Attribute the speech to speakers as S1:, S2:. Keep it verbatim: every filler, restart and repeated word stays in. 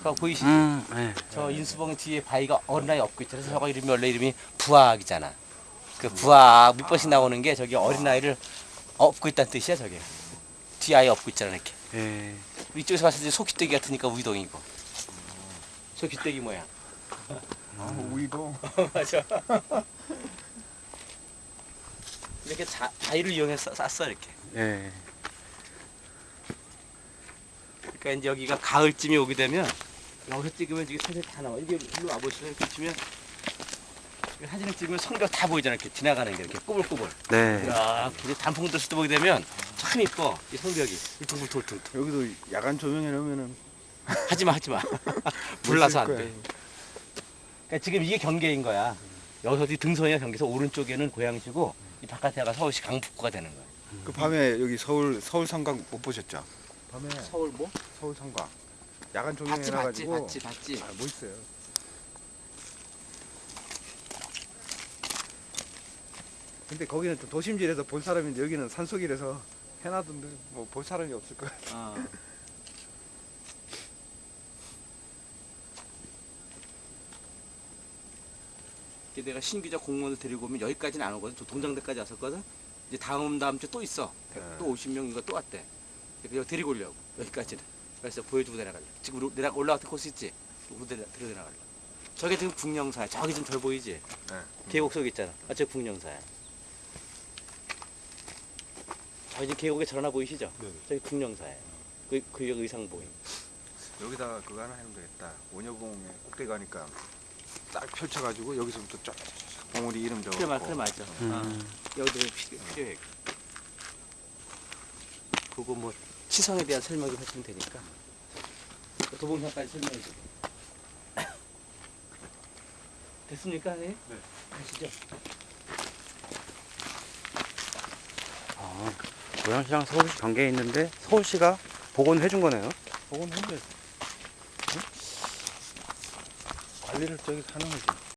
S1: 그거 보이시지?
S2: 음, 네.
S1: 저 인수봉 뒤에 바위가 어린아이 업고 있잖아. 그래서 저거 이름이 원래 이름이 부학이잖아. 그 부학 몇 번씩 나오는 게 저기 어린아이를 업고 있다는 뜻이야 저게. 뒤에 아이 업고 있잖아 이렇게.
S2: 예.
S1: 이쪽에서 봤을 때 소귀떼기 같으니까 우이동이고. 소귀떼기 모양.
S3: 아, 우이도.
S1: 맞아. 이렇게 자, 바위를 이용해서 쌌어 이렇게.
S2: 예.
S1: 그러니까 이제 여기가 가을쯤이 오게 되면 여기서 찍으면 이게 사진 다 나와. 이게 일로 와보시면 이렇게 치면 사진을 찍으면 성벽 다 보이잖아. 이렇게 지나가는 게 이렇게 꼬불꼬불.
S2: 네.
S1: 야, 근데 단풍 들을 때 보게 되면 참 이뻐. 이 성벽이 울퉁불퉁.
S3: 여기도 야간 조명해 놓으면은
S1: 하지마 하지마. 불나서 안
S3: 거야.
S1: 돼. 그러니까 지금 이게 경계인 거야. 여기서 이 등선이가 경계에서 오른쪽에는 고양시고 이 바깥에가 서울시 강북구가 되는 거야.
S3: 그 밤에 여기 서울 서울 상광 못 보셨죠? 밤에
S1: 서울 뭐?
S3: 서울 상광 야간 조명해
S1: 봤지 봤지
S3: 놔가지고
S1: 봤지 봤지.
S3: 아, 뭐 있어요? 근데 거기는 좀 도심지라서 볼 사람인데 여기는 산속이라서 해놔둔데 뭐 볼 사람이 없을 거야.
S1: 어. 이게 내가 신규자 공무원을 데리고 오면 여기까지는 안 오거든. 저 동장대까지 왔었거든. 이제 다음 다음 주 또 있어.
S3: 네.
S1: 또 오십 명인가 또 왔대. 그래서 데리고 오려고 여기까지는. 그래서 보여주고 내려갈래. 지금 우리 내가 올라갔던 코스 있지? 우리 데려 데려 내려갈래. 저게 지금 북령사야. 저기 좀 덜 보이지?
S3: 네.
S1: 계곡 속 있잖아. 아, 저 북령사야. 저기 지금 계곡에 절 하나 보이시죠?
S3: 네.
S1: 저기 북령사예요. 그, 그 의상 보임.
S3: 여기다가 그거 하나 해면 되겠다. 원효공에 꼭대기 가니까 딱 펼쳐가지고 여기서부터 쫙 봉우리 이름 적어.
S1: 그래, 맞, 그래 맞아.
S2: 음.
S1: 어. 여기도 필요, 필요해. 그거 뭐 치성에 대한 설명을 하시면 되니까. 도봉산까지 설명해 주고. 됐습니까, 네? 네. 가시죠.
S2: 아, 고양시랑 서울시 관계에 있는데 서울시가 복원해 준 거네요.
S3: 복원했는데 관리를 저기 하는 거지.